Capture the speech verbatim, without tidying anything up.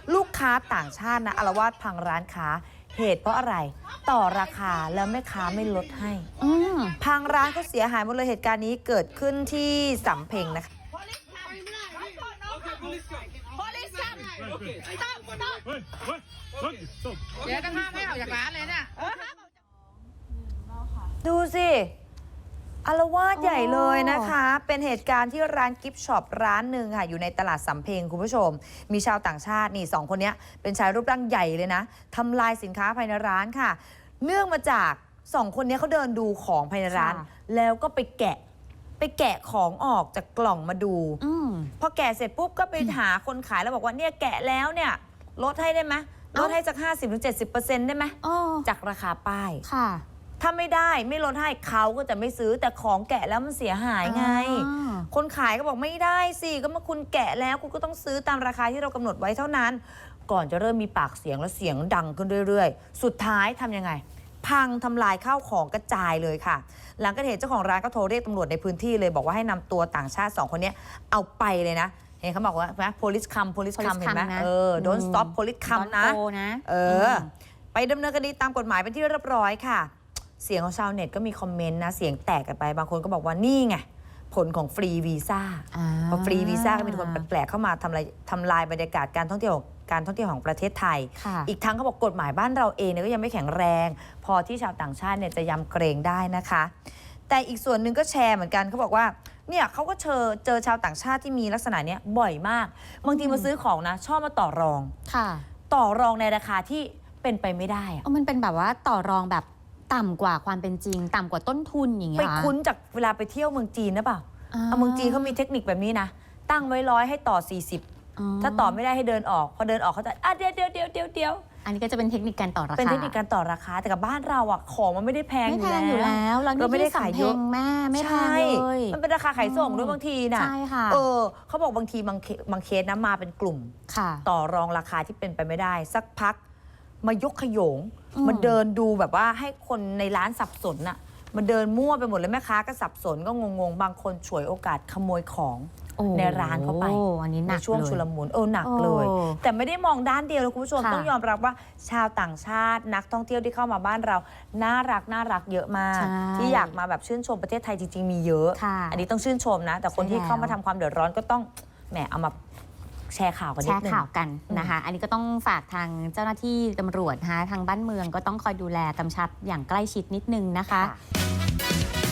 ลูกค้าต่างชาตินะอาละวาดพังร้านค้าเหตุเพราะอะไรต่อราคาแล้วแม่ค้าไม่ลดให้พังร้านก็เสียหายหมดเลยเหตุการณ์นี้เกิดขึ้นที่สำเพ็งนะคะเดี๋ยวจะห้ามให้ออกจากร้านเลยเนี่ยดูสิอาละวาดใหญ่เลยนะคะ เป็นเหตุการณ์ที่ร้านกิฟต์ช็อปร้านหนึ่งค่ะอยู่ในตลาดสำเพ็งคุณผู้ชมมีชาวต่างชาตินี่สองคนนี้เป็นชายรูปร่างใหญ่เลยนะทำลายสินค้าภายในร้านค่ะเนื่องมาจากสองคนนี้เขาเดินดูของภายในร้านแล้วก็ไปแกะไปแกะของออกจากกล่องมาดูพอแกะเสร็จปุ๊บก็ไปหาคนขายแล้วบอกว่าเนี่ยแกะแล้วเนี่ยลดให้ได้ไหมลดให้จาก ห้าสิบถึงเจ็ดสิบเปอร์เซ็นต์ ได้ไหมจากราคาป้ายถ้าไม่ได้ไม่ลดให้เขาก็จะไม่ซื้อแต่ของแกะแล้วมันเสียหายไงคนขายก็บอกไม่ได้สิก็เมื่อคุณแกะแล้วคุณก็ต้องซื้อตามราคาที่เรากำหนดไว้เท่านั้นก่อนจะเริ่มมีปากเสียงและเสียงดังขึ้นเรื่อยๆสุดท้ายทำยังไงพังทำลายข้าวของกระจายเลยค่ะหลังเกิดเหตุเจ้าของร้านก็โทรเรียกตำรวจในพื้นที่เลยบอกว่าให้นำตัวต่างชาติสองคนนี้เอาไปเลยนะเห็นเขาบอกว่าไหม police come police come เห็นไหมเออ don't stop police come นะเออไปดำเนินคดีตามกฎหมายเป็นที่เรียบร้อยค่ะเสียงของชาวเน็ตก็มีคอมเมนต์นะเสียงแตกกันไปบางคนก็บอกว่านี่ไงผลของฟรีวีซ่าพอฟรีวีซ่าก็มีคนแปลกๆเข้ามาทำลายทำลายบรรยากาศการท่องเที่ยวการท่องเที่ยวของประเทศไทยอีกทั้งเขาบอกกฎหมายบ้านเราเองเนี่ยก็ยังไม่แข็งแรงพอที่ชาวต่างชาติเนี่ยจะยำเกรงได้นะคะแต่อีกส่วนหนึ่งก็แชร์เหมือนกันเขาบอกว่าเนี่ยเขาก็เจอเจอชาวต่างชาติที่มีลักษณะนี้บ่อยมากบางทีมาซื้อของนะชอบมาต่อรองต่อรองในราคาที่เป็นไปไม่ได้อะมันเป็นแบบว่าต่อรองแบบต่ำกว่าความเป็นจริงต่ำกว่าต้นทุนอย่างเงี้ยไปคุ้นจากเวลาไปเที่ยวเมืองจีนนะเปล่าเอาเมืองจีนเขามีเทคนิคแบบนี้นะตั้งไว้ร้อยให้ต่อสี่สิบถ้าต่อไม่ได้ให้เดินออกพอเดินออกเขาจะอ่ะเดี๋ยวเดี๋ยวเดี๋ยวเดี๋ยวเดี๋ยวอันนี้ก็จะเป็นเทคนิคการต่อราคาเป็นเทคนิคการต่อราคาแต่กับบ้านเราอ่ะของมันไม่ได้แพงอยู่แล้วอยู่แล้วเราไม่ได้ขายเยอะแม่ไม่แพงเลยมันเป็นราคาขายส่งด้วยบางทีนะใช่ค่ะเออเขาบอกบางทีบางบางเคสนะมาเป็นกลุ่มต่อรองราคาที่เป็นไปไม่ได้สักพักมายกขยงมาเดินดูแบบว่าให้คนในร้านสับสนน่ะมาเดินมั่วไปหมดเลยแม่ค้าก็สับสนก็งงๆบางคนฉวยโอกาสขโมยของในร้านเข้าไปในช่วงชุลมุนเออหนักเลยแต่ไม่ได้มองด้านเดียวเลยคุณผู้ชมต้องยอมรับว่าชาวต่างชาตินักท่องเที่ยวที่เข้ามาบ้านเราน่ารักน่ารักเยอะมากที่อยากมาแบบชื่นชมประเทศไทยจริงๆมีเยอะอันนี้ต้องชื่นชมนะแต่คนที่เข้ามาทำความเดือดร้อนก็ต้องแหมเอามาแชร์ข่าวกันนิดนึงแชร์ข่าวกันนะคะอันนี้ก็ต้องฝากทางเจ้าหน้าที่ตำรวจนะคะทางบ้านเมืองก็ต้องคอยดูแลกำชับอย่างใกล้ชิดนิดนึงนะคะ